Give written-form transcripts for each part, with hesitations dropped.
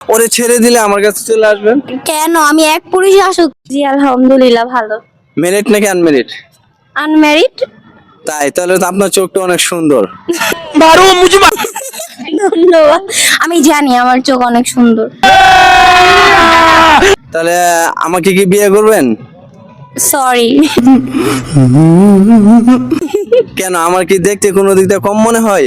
ওরে ছেড়ে দিলে আমার কাছে চলে আসবেন। কেন? আমি এক পুরুষ আসুক। জি আলহামদুলিল্লাহ ভালো। মেরিট নাকি আনমেরিট? আনম্যারিড। তাই? তাহলে তো আপনার চোখটা অনেক সুন্দর। ধন্যবাদ। আমি জানি আমার চোখ অনেক সুন্দর। তাহলে আমাকে কি বিয়ে করবেন? সরি। কেন, আমার কি দেখতে কোনো দিক দিয়ে কম মনে হয়?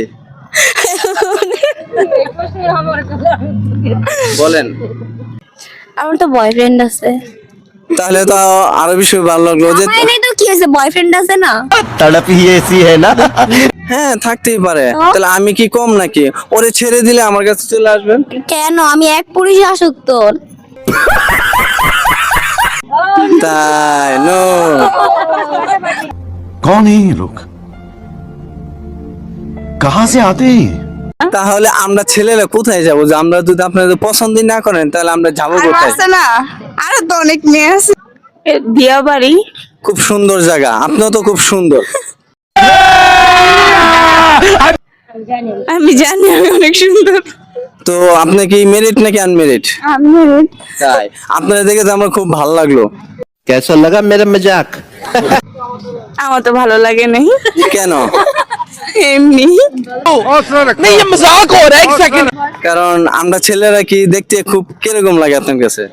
বলেন। আমার তো বয়ফ্রেন্ড আছে। তাহলে তো আরো বেশি ভালো লাগলো যে আমার নেই তো কি হয়েছে, বয়ফ্রেন্ড আছে না। तड़प ही ऐसी है ना। হ্যাঁ থাকতেই পারে। তাহলে আমি কি কম নাকি? ওরে ছেড়ে দিলে আমার কাছে চলে আসবেন। কেন? আমি এক পুরুষ আসুক তোর। তাই? নো। कौन है ये लोग? कहाँ से आते हैं? তাহলে আমরা ছেলেরা কোথায় যাবো? যে আমরা যদি আপনাদের পছন্দই না করেন তাহলে আমরা যাবো কোথায়? আছে না, আরো তো অনেক মেয়ে আছে। বিয়া বাড়ি। খুব সুন্দর জায়গা, আপনিও তো খুব সুন্দর। আমি জানি আমি অনেক সুন্দর। তো আপনি কি মেরিট নাকি আনমেরিট? আমি তাই? আপনারা দেখে তো আমার খুব ভালো লাগলো। कैसा लगा मेरा मजाक? আমার তো ভালো লাগে নাই, কেন? এমনি। नहीं ये मजाक हो रहा है, एक सेकंड। কারণ আমরা ছেলেরা কি দেখতে খুব কিরকম লাগে আপনার কাছে?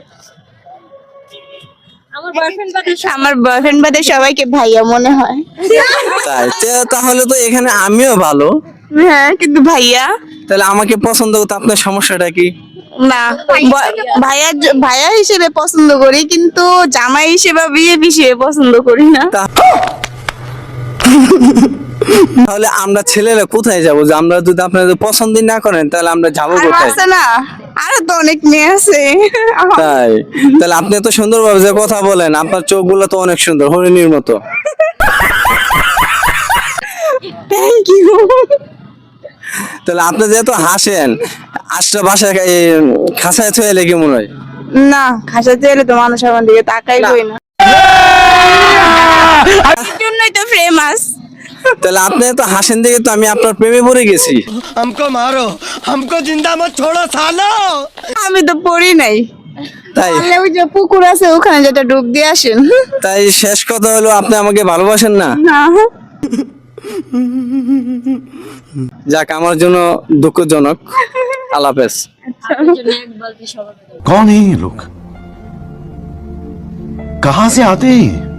আমার বয়ফ্রেন্ড বাদে সবাইকে ভাইয়া মনে হয়। তাই? তাহলে তো এখানে আমিও ভালো। হ্যাঁ, কিন্তু ভাইয়া তাহলে আমাকে পছন্দ করতে আপনার সমস্যাটা কি? না। ভাইয়া ভাইয়া হিসেবে পছন্দ করি, কিন্তু জামাই হিসেবে বিয়ে হিসেবে পছন্দ করি না। তাহলে আমরা ছেলেরা কোথায় যাবো? যে আমরা যদি আপনাদের পছন্দই না করেন তাহলে আমরা যাবো আরো কোথায়? আছে না, আরো তো অনেক মেয়ে আছে। তাই? তাহলে আপনি এত সুন্দর ভাবে যে কথা বলেন, আপনার চোখগুলো তো অনেক সুন্দর, হরিণীর মতো। Thank you. তাহলে আপনি যেহেতু হাসেন, আশটা বাসায় খাসায় থয়ে এলে কেমন হয়? না, খাসাতে এলে তো মানুষ আমার দিকে তাকাইবই না। এই জন্যই তো ফেমাস। তাহলে আপনি তো হাসেন দেখে তো আমি আপনার প্রেমে পড়ে গেছি। हमको मारो, हमको जिंदा मत छोड़ो सालो। আমি তো পড়ি নাই। তাই? তাহলে ওই যে পুকুর আছে ওখানে যেটা ডুব দিয়ে আসেন। তাই শেষ কথা হলো আপনি আমাকে ভালোবাসেন না। না, যাক, আমার জন্য দুঃখজনক। আল্লাহ হাফেজ। कौन है ये लोग? कहाँ से आते हैं?